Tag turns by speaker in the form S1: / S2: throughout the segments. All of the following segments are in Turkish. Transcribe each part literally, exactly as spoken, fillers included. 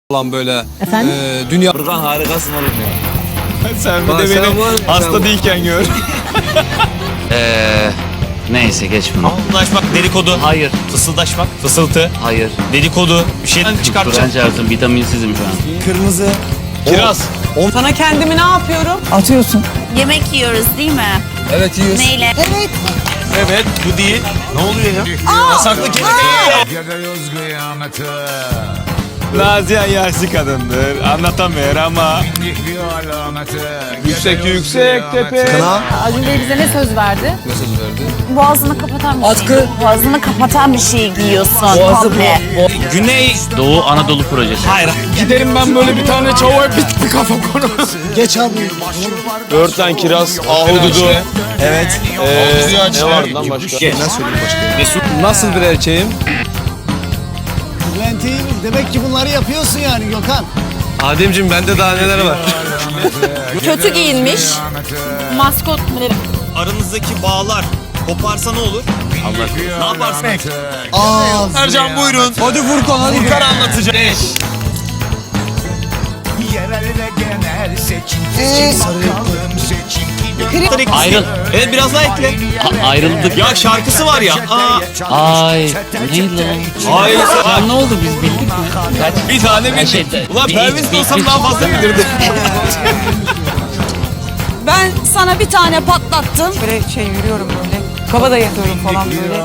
S1: Olan böyle
S2: Efendim?
S1: e, dünya...
S3: Furkan harikasın oğlum ya.
S4: Sen bir
S1: Bak
S4: de
S1: sen
S4: beni
S1: var-
S4: hasta
S1: sen-
S4: değilken gör.
S5: Eee neyse geç bunu.
S4: Fısıldaşmak, dedikodu.
S5: Hayır,
S4: Fısıldaşmak, fısıltı,
S5: hayır.
S4: dedikodu. Bir şeyden çıkartacağım.
S5: Kur'an çarpsın, vitaminsizim şu an.
S3: Kırmızı.
S4: Kiraz.
S6: Sana kendimi ne yapıyorum?
S2: Atıyorsun.
S7: Yemek yiyoruz değil mi?
S1: Evet yiyoruz.
S7: Neyle?
S4: Evet, bu değil. Ne oluyor ya? Yasaklı kelime.
S8: Geliyoruz kıyamete.
S4: Nazihan yaşlı kadındır. Anlatamıyor ama.
S8: Bindik bir alamete.
S4: Yüksek yüksek tepe.
S1: Kına
S2: Acun Bey bize ne söz verdi?
S1: mesaj verdi.
S7: Boğazını kapatan bir
S1: Atkı.
S7: şey. Boğazını kapatan bir şey giyiyorsun
S1: Boğazı
S7: komple.
S1: bu.
S4: Güney.
S5: Doğu Anadolu Projesi.
S4: Hayır. Giderim ben böyle bir tane çavuğa bitti kafa konu.
S3: Geç abi.
S4: Börtlen, kiraz, ahududu. Evet. Ee, ne var lan başka?
S1: Ne söyleyeyim başka? Mesut nasıl bir erkeğim?
S3: Bülent iyi mi? Demek ki bunları yapıyorsun yani Gökhan.
S1: Ademciğim bende daha neler var?
S6: Kötü giyinmiş. Maskot mu derim?
S4: Aranızdaki bağlar koparsa ne olur? Ne yaparsın?
S3: Aa,
S4: Ercan buyurun. Hadi Furkan hadi. Furkan anlatacak.
S8: Yerel ve genel seçim.
S3: Ee,
S8: Seçim bakalım seçim.
S5: Ayrıl.
S4: Evet biraz daha ekle.
S5: A- ayrıldık.
S4: Ya şarkısı var ya. Aa.
S5: Ay. Neydi lan?
S4: Ay.
S5: Lan ne oldu biz bildik mi? Kaç?
S4: Bir tane
S5: Her
S4: bir
S5: şey-
S4: Ulan
S5: bir-
S4: Perviz
S5: bir-
S4: olsam
S5: bir-
S4: daha fazla bilirdi.
S6: Ben sana bir tane patlattım. Böyle şey yürüyorum böyle. Kaba da yapıyorum falan böyle.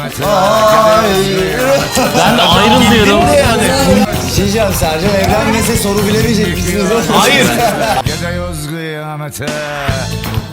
S5: Ben de ayrıl diyorum.
S3: Diyeceğim Sercan evlenmese soru bilemeyecek misiniz?
S4: Hayır.
S8: Geliyoruz kıyamete.